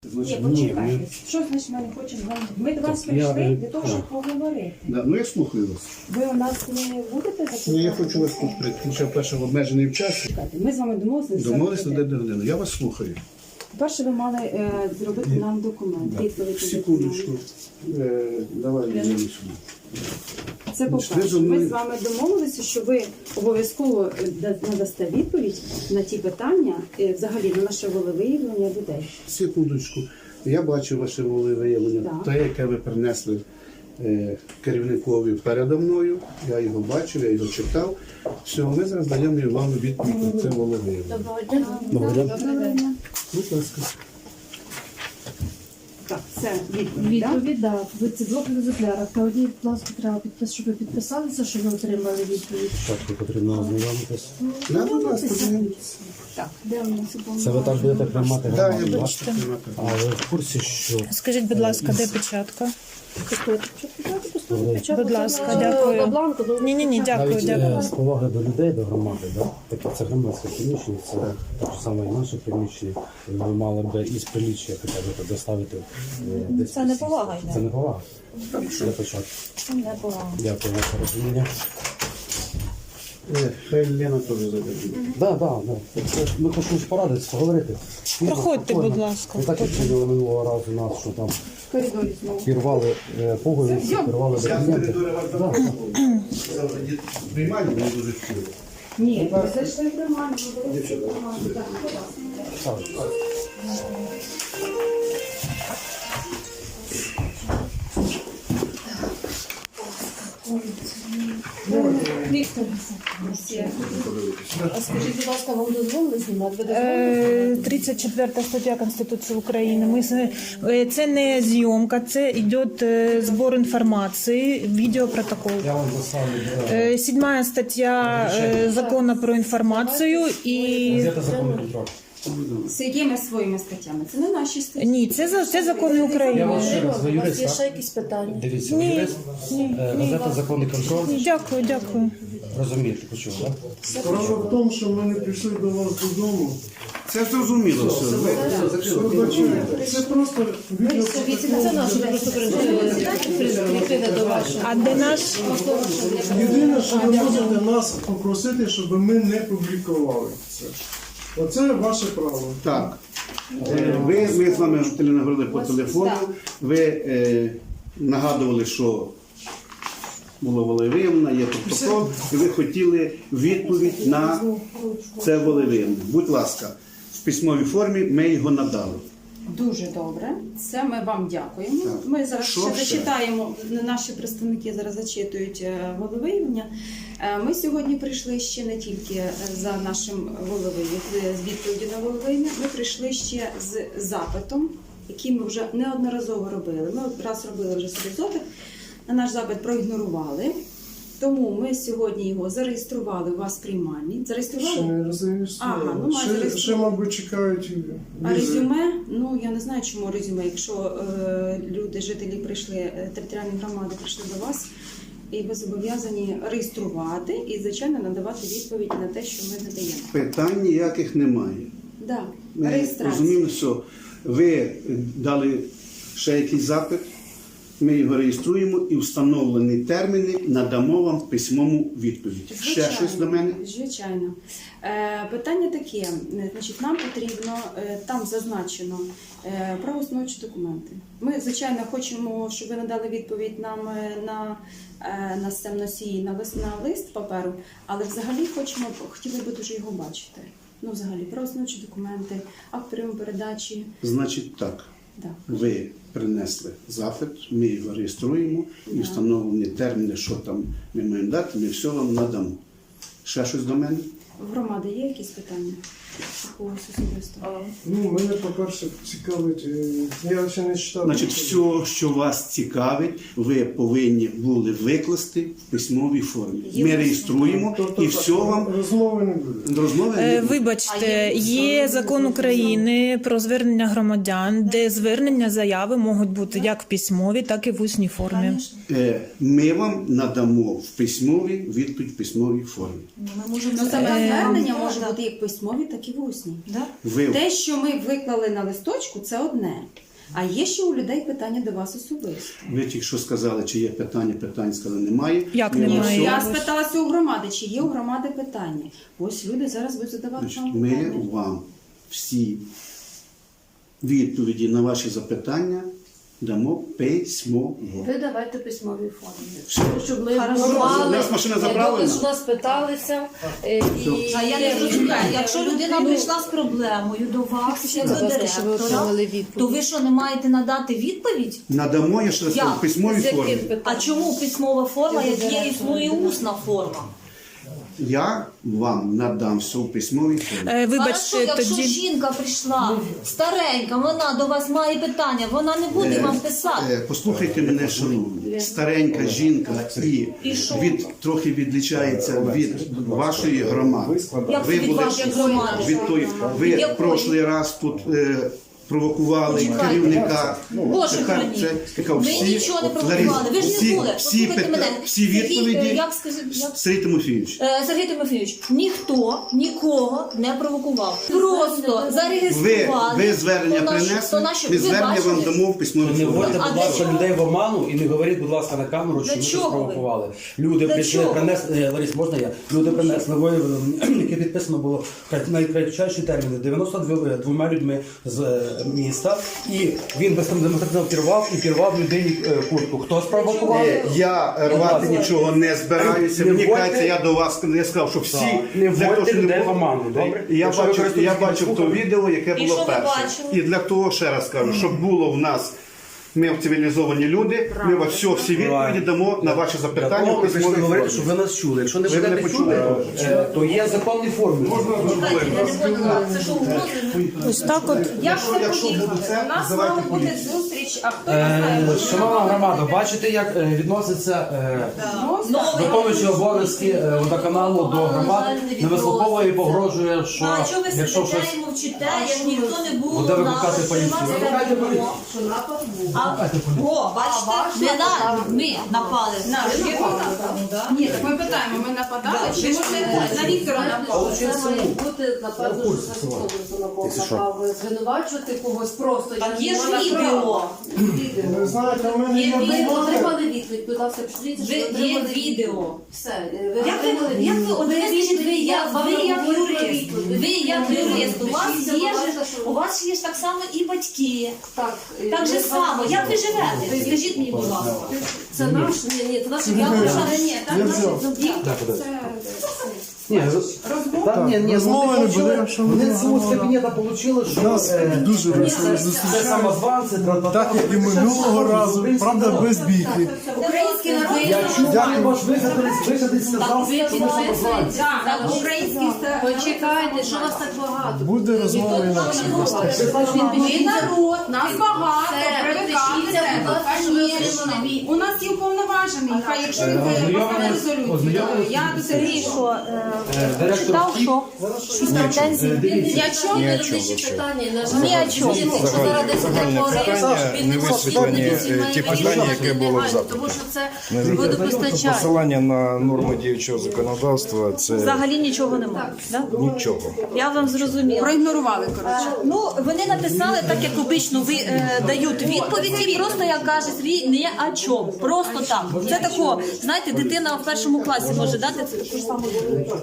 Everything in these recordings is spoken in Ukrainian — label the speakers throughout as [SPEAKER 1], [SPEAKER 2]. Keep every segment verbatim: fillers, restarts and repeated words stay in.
[SPEAKER 1] Значить,
[SPEAKER 2] Ні,
[SPEAKER 1] ні,
[SPEAKER 2] почекайте.
[SPEAKER 1] ми-
[SPEAKER 2] Що значить ми не хочемо з вами? Ми до вас
[SPEAKER 1] Так, я,
[SPEAKER 2] прийшли
[SPEAKER 1] е,
[SPEAKER 2] для того, щоб поговорити.
[SPEAKER 1] Да, ну я слухаю вас.
[SPEAKER 2] Ви у нас не будете
[SPEAKER 1] Ну я
[SPEAKER 2] запитати?
[SPEAKER 1] хочу вас тут тому що перше в обмежений в часі.
[SPEAKER 2] Ми з вами домовилися.
[SPEAKER 1] Домовились на день годину. Я вас слухаю.
[SPEAKER 2] По-перше, ви мали е, зробити нам документ.
[SPEAKER 1] Да.
[SPEAKER 2] відповідь на
[SPEAKER 1] Секундочку.
[SPEAKER 2] документ.
[SPEAKER 1] Е, давай я сюди.
[SPEAKER 2] Це по-перше.
[SPEAKER 1] Ви зо мною-
[SPEAKER 2] Ми з вами домовилися, що ви обов'язково е, да- надасте відповідь на ті питання, е, взагалі на наше волевиявлення людей.
[SPEAKER 1] Секундочку. Я бачу ваше волевиявлення,
[SPEAKER 2] Так.
[SPEAKER 1] те, яке ви принесли е, керівникові передо мною. Я його бачив, я його читав. Все, ми зараз даємо вам відповідь на це волевиявлення.
[SPEAKER 2] Доброго дня.
[SPEAKER 1] Будь ласка.
[SPEAKER 2] Так, це відповідь, так?
[SPEAKER 3] Відповідь, так. Ви ці двох екземплярах. Та одній, будь ласка, треба підпис, щоб ви підписалися, що ви отримали відповідь.
[SPEAKER 4] Спочатку потрібно ознайомитись.
[SPEAKER 1] Да, будь ласка, подивіться.
[SPEAKER 2] Так, де у нас
[SPEAKER 4] Це ви так будете приймати
[SPEAKER 1] Да,
[SPEAKER 4] громаду,
[SPEAKER 1] я
[SPEAKER 4] так?
[SPEAKER 1] бачу.
[SPEAKER 4] А ви в курсі, що
[SPEAKER 5] Скажіть, будь ласка, де печатка? Будь
[SPEAKER 3] Будь
[SPEAKER 5] ласка, дякую.
[SPEAKER 3] бланку, ну,
[SPEAKER 5] Ні, ні, ні, дякую,
[SPEAKER 4] навіть е,
[SPEAKER 5] дякую.
[SPEAKER 4] з поваги до людей, до громади, да? таке це громадське приміщення, це так само і наше приміщення. Ви мали б із приліччя хоча б доставити. е, десь
[SPEAKER 3] Це не повага йде.
[SPEAKER 4] Це не повага. Для початку.
[SPEAKER 3] це не повага.
[SPEAKER 4] Дякую за порозуміння.
[SPEAKER 1] Е, Хай Лена теж зайде.
[SPEAKER 4] Так, так, так. Ми хочемо порадитися, поговорити.
[SPEAKER 5] Проходьте,
[SPEAKER 4] Спокійно.
[SPEAKER 5] будь ласка.
[SPEAKER 4] Не так, як виділи минулого разу нас, що там
[SPEAKER 2] в коридорі знову.
[SPEAKER 4] пірвали е, пуговиці, пірвали
[SPEAKER 1] Я в
[SPEAKER 4] документи.
[SPEAKER 1] коридорі вас
[SPEAKER 4] Да.
[SPEAKER 1] запрошую. Завтра є приймальня, мені дуже хотіло.
[SPEAKER 2] Ні, ви зайшли в приймальню, ви були всі в
[SPEAKER 1] Дівчата,
[SPEAKER 2] приймальні. Так, будь ласка.
[SPEAKER 4] Так, так.
[SPEAKER 3] Віктор, а скажіть, будь ласка, вам дозволили знімати? Ви дозволили?
[SPEAKER 5] Е, тридцять четверта стаття Конституції України. Ми, з- е, це не зйомка, це йде е, збор інформації, відеопротокол.
[SPEAKER 4] Я вам доставлю е,
[SPEAKER 5] Е, Седьмая стаття е, Закону про інформацію і...
[SPEAKER 4] газета «Законний контроль».
[SPEAKER 2] З якими своїми статтями? Це не наші статті.
[SPEAKER 5] Ні, це, за- це закони
[SPEAKER 4] Я
[SPEAKER 5] України.
[SPEAKER 4] вам ще раз, ви
[SPEAKER 3] У вас
[SPEAKER 4] юрист,
[SPEAKER 3] є
[SPEAKER 4] так?
[SPEAKER 3] ще якісь питання?
[SPEAKER 4] Дивіться, ви юрист, Е, газета «Законний контроль».
[SPEAKER 5] Дякую, дякую.
[SPEAKER 4] Розумієте, почув, так?
[SPEAKER 6] Справа в тому, що ми не прийшли до вас додому.
[SPEAKER 1] Це зрозуміло все. Ви-
[SPEAKER 6] Вибачайте, це просто відео.
[SPEAKER 3] Це наше просто прийде до вашого.
[SPEAKER 5] А де наш?
[SPEAKER 6] Єдине, що ви можете нас попросити, щоб ми не публікували це. Оце ваше право.
[SPEAKER 1] Так. Е, Ви, ми з вами Галина, говорили по телефону. Ви е, нагадували, що було волевиявлення, є протокол, і ви хотіли відповідь на це волевиявлення. Будь ласка, в письмовій формі ми його надали.
[SPEAKER 2] Дуже добре. Це ми вам дякуємо.
[SPEAKER 1] Так.
[SPEAKER 2] Ми зараз
[SPEAKER 1] Що
[SPEAKER 2] ще
[SPEAKER 1] ще?
[SPEAKER 2] зачитаємо, наші представники зараз зачитують е, волевиявлення. Е, Ми сьогодні прийшли ще не тільки е, за нашим волевиявленням, з відповіді на волевиявлення, ми прийшли ще з запитом, який ми вже неодноразово робили. Ми раз робили вже собі запит, на наш запит проігнорували. Тому ми сьогодні його зареєстрували у вас в приймальні.
[SPEAKER 6] Ще
[SPEAKER 2] Зареєстрували?
[SPEAKER 6] не розреєстрували.
[SPEAKER 2] Ага, ну, має
[SPEAKER 6] ще,
[SPEAKER 2] зареєструвати.
[SPEAKER 6] ще, мабуть, чекають
[SPEAKER 2] А
[SPEAKER 6] візи.
[SPEAKER 2] резюме, ну я не знаю, чому резюме, якщо е, люди, жителі прийшли, е, територіальні громади прийшли до вас, і ви зобов'язані реєструвати і, звичайно, надавати відповідь на те, що ми надаємо.
[SPEAKER 1] Питань ніяких немає.
[SPEAKER 2] Да,
[SPEAKER 1] Ми
[SPEAKER 2] реєстрація.
[SPEAKER 1] розуміємо, що ви дали ще якийсь запит, ми його реєструємо і встановлені терміни надамо вам в письмову відповідь. Ще щось до мене?
[SPEAKER 2] Звичайно. Е, питання таке, е, значить, нам потрібно, е, там зазначено е, правоустановчі документи. Ми, звичайно, хочемо, щоб ви надали відповідь нам е, на, е, на стемносії, на лист, на лист паперу, але взагалі хочемо, хотіли би дуже його бачити. Ну, взагалі, правоустановчі документи, акт прийому передачі.
[SPEAKER 1] Значить так,
[SPEAKER 2] Да.
[SPEAKER 1] ви принесли запит, ми його реєструємо і встановлені терміни, що там ми маємо дати, ми все вам надамо. Ще щось до мене?
[SPEAKER 2] В громади є якісь питання? Когось особисто?
[SPEAKER 6] Ну, мене, по-перше, цікавить, е, я ще не читав.
[SPEAKER 1] Значить, все, що вас цікавить, ви повинні були викласти в письмовій формі. Ми реєструємо
[SPEAKER 6] Тобто,
[SPEAKER 1] і все вам
[SPEAKER 6] розмови не буде.
[SPEAKER 1] розмови.
[SPEAKER 5] Е,
[SPEAKER 1] не буде.
[SPEAKER 5] Вибачте, є закон України про звернення громадян, де звернення заяви можуть бути як в письмовій, так і в усній формі.
[SPEAKER 1] Е, Ми вам надамо в письмовій відповідь в письмовій формі.
[SPEAKER 2] Ну, саме звернення
[SPEAKER 5] да,
[SPEAKER 2] може
[SPEAKER 5] да.
[SPEAKER 2] бути як письмові, так і в усній.
[SPEAKER 5] Да?
[SPEAKER 1] Ви
[SPEAKER 2] Те, що ми виклали на листочку, це одне. А є ще у людей питання до вас особисто.
[SPEAKER 1] Ви тільки що сказали, чи є питання, питань сказали, немає.
[SPEAKER 5] Як
[SPEAKER 1] Ми
[SPEAKER 5] немає?
[SPEAKER 1] на всьому-
[SPEAKER 2] Я спиталася у громади, чи є у громади питання. Ось люди зараз будуть задавати
[SPEAKER 1] Значить,
[SPEAKER 2] вам
[SPEAKER 1] ми
[SPEAKER 2] питання.
[SPEAKER 1] вам всі відповіді на ваші запитання дамо письмово.
[SPEAKER 3] Ви давайте письмові формі.
[SPEAKER 1] Все.
[SPEAKER 3] Щоб ми
[SPEAKER 2] Хорошо.
[SPEAKER 3] знали,
[SPEAKER 1] У нас машина
[SPEAKER 3] е,
[SPEAKER 1] заправлена?
[SPEAKER 3] добре, що нас питалися. е, І...
[SPEAKER 7] А я не розумію, якщо людина прийшла з проблемою до вас, як до директора, то ви що, не маєте надати відповідь?
[SPEAKER 1] Надамо, я ще раз кажу, в письмовій
[SPEAKER 3] З яким
[SPEAKER 1] формі.
[SPEAKER 3] питанням?
[SPEAKER 7] А чому письмова форма, як є існує усна форма?
[SPEAKER 1] Я вам надам все в письмовій формі.
[SPEAKER 5] Е,
[SPEAKER 7] Хорошо,
[SPEAKER 5] Вибачте,
[SPEAKER 7] якщо
[SPEAKER 5] тоді.
[SPEAKER 7] жінка прийшла старенька, вона до вас має питання, вона не буде вам писати.
[SPEAKER 1] Е, Послухайте мене, шановні. Старенька жінка і
[SPEAKER 7] І що?
[SPEAKER 1] від, трохи відлічається від вашої громади.
[SPEAKER 7] Як
[SPEAKER 1] Ви
[SPEAKER 7] від
[SPEAKER 1] були
[SPEAKER 7] вашої громади?
[SPEAKER 1] від тої, ви
[SPEAKER 7] Якої?
[SPEAKER 1] в прошлий раз тут е, провокували
[SPEAKER 7] Почекайте.
[SPEAKER 1] керівника.
[SPEAKER 7] Боже
[SPEAKER 1] Тепер
[SPEAKER 7] храні.
[SPEAKER 1] це яка
[SPEAKER 7] Ви
[SPEAKER 1] всі,
[SPEAKER 7] нічого не
[SPEAKER 1] от,
[SPEAKER 7] провокували, ви ж
[SPEAKER 1] всі-
[SPEAKER 7] не були.
[SPEAKER 1] всі,
[SPEAKER 7] Послухайте
[SPEAKER 1] пита-
[SPEAKER 7] мене.
[SPEAKER 1] всі
[SPEAKER 7] Сергій,
[SPEAKER 1] відповіді
[SPEAKER 7] е, як скажи- як-
[SPEAKER 1] Сергій Тимофійович.
[SPEAKER 7] Е, Сергій Тимофійович, ніхто нікого не провокував. Просто
[SPEAKER 1] Ви,
[SPEAKER 7] зареєстрували.
[SPEAKER 1] ви звернення
[SPEAKER 7] то наш-
[SPEAKER 1] принесли,
[SPEAKER 7] то наші-
[SPEAKER 1] ми
[SPEAKER 7] ви
[SPEAKER 1] звернення вам
[SPEAKER 7] бачили?
[SPEAKER 1] дамо в письмовій
[SPEAKER 4] Не
[SPEAKER 1] формі.
[SPEAKER 4] вводьте,
[SPEAKER 7] А
[SPEAKER 4] будь
[SPEAKER 7] для
[SPEAKER 4] ласка,
[SPEAKER 7] чого?
[SPEAKER 4] людей в оману і не говоріть, будь ласка, на камеру, що
[SPEAKER 7] Для
[SPEAKER 4] ви
[SPEAKER 7] чого
[SPEAKER 4] щось
[SPEAKER 7] ви?
[SPEAKER 4] провокували. Люди
[SPEAKER 7] Для
[SPEAKER 4] прийшли,
[SPEAKER 7] чого?
[SPEAKER 4] принесли, е, Ларіс, можна я? Люди принесли виявили, яке підписано було в найкратчайші терміни, дев'яносто двома людьми з е, міста, і він бездемократично пірвав і пірвав людині е, куртку. Хто спровокував?
[SPEAKER 1] Е, Я рвати нічого не збираюся.
[SPEAKER 4] Не
[SPEAKER 1] Мені
[SPEAKER 4] вводьте-
[SPEAKER 1] кажеться, я до вас я сказав, що всі
[SPEAKER 4] Так. Не
[SPEAKER 1] для того,
[SPEAKER 4] вводьте
[SPEAKER 1] щоб не
[SPEAKER 4] людей
[SPEAKER 1] було-
[SPEAKER 4] в оману, добре?
[SPEAKER 1] І Я
[SPEAKER 4] Якщо ви
[SPEAKER 1] бачив, я
[SPEAKER 4] користуєтесь
[SPEAKER 1] бачив то
[SPEAKER 4] Фейсбуком.
[SPEAKER 1] відео, яке
[SPEAKER 7] І
[SPEAKER 1] було
[SPEAKER 7] що ви
[SPEAKER 1] перше.
[SPEAKER 7] бачили?
[SPEAKER 1] І для того ще раз кажу, щоб було в нас. Ми цивілізовані люди, ми вас все, всі відповіді дамо на ваші
[SPEAKER 4] Для
[SPEAKER 1] запитання
[SPEAKER 4] того
[SPEAKER 1] в
[SPEAKER 4] ми прийшли
[SPEAKER 1] письмовій
[SPEAKER 4] говорити,
[SPEAKER 1] формі.
[SPEAKER 4] щоб ви нас чули. Якщо не
[SPEAKER 1] Ви мене
[SPEAKER 4] будете
[SPEAKER 1] почули?
[SPEAKER 4] чути, е, то є законні форми.
[SPEAKER 7] Чекайте, я не поняла, це що угрози?
[SPEAKER 5] Ось так от.
[SPEAKER 2] Як
[SPEAKER 1] Якщо-
[SPEAKER 2] це
[SPEAKER 1] якщо буде
[SPEAKER 2] поїхати?
[SPEAKER 1] це,
[SPEAKER 2] У нас
[SPEAKER 1] називайте
[SPEAKER 2] мала бути
[SPEAKER 1] поліцію.
[SPEAKER 2] зустріч, а хто не знає,
[SPEAKER 4] Е,
[SPEAKER 2] може,
[SPEAKER 4] Шановна
[SPEAKER 2] вона
[SPEAKER 4] громада,
[SPEAKER 2] буде.
[SPEAKER 4] бачите, як е, відносяться е,
[SPEAKER 7] Новий
[SPEAKER 4] виконуючий обов'язки е, водоканалу до громад, не вислуховує і погрожує, що
[SPEAKER 7] А чого ви
[SPEAKER 4] якщо
[SPEAKER 7] сидите
[SPEAKER 4] щось
[SPEAKER 7] і мовчите, як ніхто не було
[SPEAKER 4] буде
[SPEAKER 7] на
[SPEAKER 4] викликати поліцію. Викликайте поліцію.
[SPEAKER 3] Що напад був.
[SPEAKER 7] А, о, бачите, не на, ми напали.
[SPEAKER 2] На, ви напали? Ні, так ми питаємо, ми нападали, чи може на Віктора напали?
[SPEAKER 3] Це має бути, напевно, що це хто напав звинувачувати когось просто.
[SPEAKER 7] Так є ж
[SPEAKER 3] Вона
[SPEAKER 7] відео.
[SPEAKER 3] права.
[SPEAKER 6] Ви знаєте, у мене
[SPEAKER 7] Є
[SPEAKER 6] є
[SPEAKER 3] Ви
[SPEAKER 7] відео.
[SPEAKER 3] отримали відповідь, будь ласка, пишіть, що
[SPEAKER 7] Ви-
[SPEAKER 3] ви
[SPEAKER 7] Є
[SPEAKER 3] отримали
[SPEAKER 7] відео.
[SPEAKER 3] Все, е, ви
[SPEAKER 7] Як ви,
[SPEAKER 3] отримали
[SPEAKER 7] як ви,
[SPEAKER 3] відповідь.
[SPEAKER 7] от ви скажіть, ви як,
[SPEAKER 3] вам
[SPEAKER 7] ви як
[SPEAKER 3] говорю про
[SPEAKER 7] юрист,
[SPEAKER 3] відповідь.
[SPEAKER 7] ви як юрист, у вас
[SPEAKER 3] Пишіться,
[SPEAKER 7] є
[SPEAKER 3] будь
[SPEAKER 7] ж,
[SPEAKER 3] ласка, що-
[SPEAKER 7] у вас є ж так само і батьки.
[SPEAKER 3] Так, е,
[SPEAKER 7] Так же
[SPEAKER 3] ми
[SPEAKER 7] само,
[SPEAKER 3] вам-
[SPEAKER 7] як ви живете? Скажіть мені, будь ласка.
[SPEAKER 3] Це наш, ні, ні, це наш
[SPEAKER 7] Я
[SPEAKER 3] я
[SPEAKER 7] вважаю,
[SPEAKER 2] Ні, там
[SPEAKER 6] Я
[SPEAKER 2] наші
[SPEAKER 6] взяв.
[SPEAKER 2] зубі.
[SPEAKER 4] Ні, та, ні, ні,
[SPEAKER 6] розмови
[SPEAKER 4] вони
[SPEAKER 6] не
[SPEAKER 4] почули,
[SPEAKER 6] буде, що
[SPEAKER 4] вони
[SPEAKER 6] ми
[SPEAKER 4] з цього з
[SPEAKER 6] говоримо.
[SPEAKER 4] кабінета отримали, що
[SPEAKER 6] Нас
[SPEAKER 4] е,
[SPEAKER 6] дуже весело
[SPEAKER 4] це
[SPEAKER 6] зустрічають.
[SPEAKER 4] самозванці, тра-та-та.
[SPEAKER 6] Так як і минулого разу, правда, без бійки.
[SPEAKER 2] Український народ.
[SPEAKER 4] Я чув, як ваш висадець, висадець сказав,
[SPEAKER 3] ви
[SPEAKER 4] що ми самозванці.
[SPEAKER 2] Так, так, український ста-
[SPEAKER 3] Почекайте, що вас так багато?
[SPEAKER 6] Буде розмова інакше.
[SPEAKER 2] Ми народ, нас багато,
[SPEAKER 3] Все,
[SPEAKER 2] привикати
[SPEAKER 3] підпишіться, будь
[SPEAKER 2] треба.
[SPEAKER 3] ласка, що ви
[SPEAKER 2] Конечно.
[SPEAKER 3] отримали відповідь.
[SPEAKER 2] У нас є уповноважений, хай якщо він
[SPEAKER 4] Е,
[SPEAKER 2] поставить
[SPEAKER 4] ознайомились-
[SPEAKER 2] резолюцію,
[SPEAKER 4] ознайомились-
[SPEAKER 2] я до Сергія, що
[SPEAKER 4] Е, Директор
[SPEAKER 5] Читав,
[SPEAKER 4] втік.
[SPEAKER 5] що?
[SPEAKER 4] Е, Дивіться.
[SPEAKER 2] я чому?
[SPEAKER 3] Юридичні питання, на жаль.
[SPEAKER 5] Ні о чому.
[SPEAKER 3] Якщо зараз десь
[SPEAKER 8] Загальне питання, не висвітлені е, ті питання, яке було в запиті.
[SPEAKER 3] Тому що це
[SPEAKER 8] Тобто
[SPEAKER 3] водопостачання.
[SPEAKER 8] посилання на норми діючого законодавства це
[SPEAKER 7] Взагалі нічого немає. Да?
[SPEAKER 8] нічого.
[SPEAKER 7] Я вам зрозуміла.
[SPEAKER 2] Проігнорували, коротше.
[SPEAKER 7] Ну, вони написали так, як обично, ви е, дають відповіді, просто як каже Сергій, не о чому. Просто так. Це тако, знаєте, дитина в першому класі може дати це таку ж саму відповідь.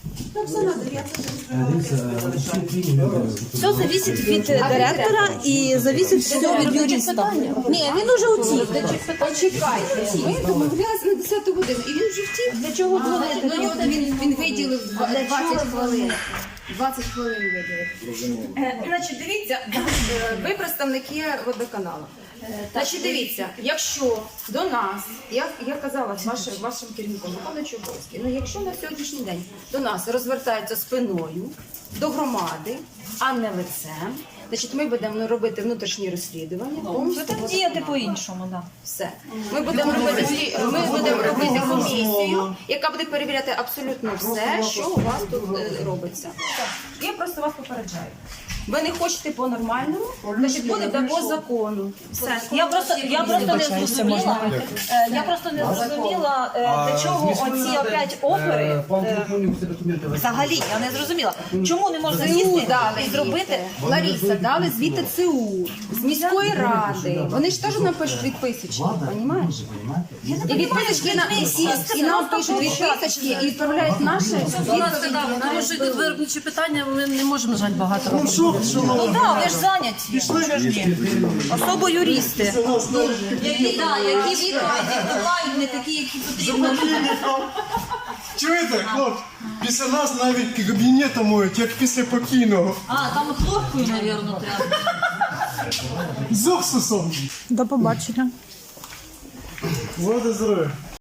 [SPEAKER 7] Все зависить від директора і зависить все від юриста. Ні, він уже утік.
[SPEAKER 2] Почекайте, ми домовлялися на десяту годину, і він вже втік.
[SPEAKER 7] Для чого було?
[SPEAKER 2] Він, він виділив два- двадцять хвилин. двадцять хвилин виділив. Е, Значить, дивіться, е, ви представники водоканалу. Значить, дивіться, якщо до нас, я, я казала з вашим, вашим керівником, виконуючим обов'язки, ну якщо на сьогоднішній день до нас розвертаються спиною до громади, а не лицем, значить ми будемо робити внутрішні розслідування. повністю
[SPEAKER 7] Будемо діяти по-іншому, так.
[SPEAKER 2] все. Ми будемо робити слі- ми будемо робити комісію, яка буде перевіряти абсолютно все, що у вас тут е, робиться. Я просто вас попереджаю. Ви не хочете по-нормальному, значить будете по закону. Все.
[SPEAKER 7] Я просто я просто не зрозуміла. е, Я просто не зрозуміла, е, для чого оці опять опери. е, Взагалі, я не зрозуміла. Чому не можна
[SPEAKER 2] ЦУ
[SPEAKER 7] їсти
[SPEAKER 2] дали
[SPEAKER 7] і зробити?
[SPEAKER 2] Лариса, дали звідти ЦУ, з міської ради. Вони ж теж нам пишуть відписочки, розумієш? І відписочки на і, і нам пишуть відписочки і відправляють наші відповіді.
[SPEAKER 9] Тому що йдуть виробничі питання, ми не можемо, на жаль, багато
[SPEAKER 6] Ну
[SPEAKER 9] робити.
[SPEAKER 6] що,
[SPEAKER 7] Ну
[SPEAKER 6] шановні,
[SPEAKER 7] так, ви ж зайняті. Особо юристи. Які, да, які відповіді бувають не такі, які потрібно.
[SPEAKER 6] чуєте, хлопці? Після нас навіть кабінети моють, як після покійного.
[SPEAKER 7] А, там хлопкою, мабуть, треба.
[SPEAKER 6] З уксусом.
[SPEAKER 5] До побачення.
[SPEAKER 6] Води здоров'я.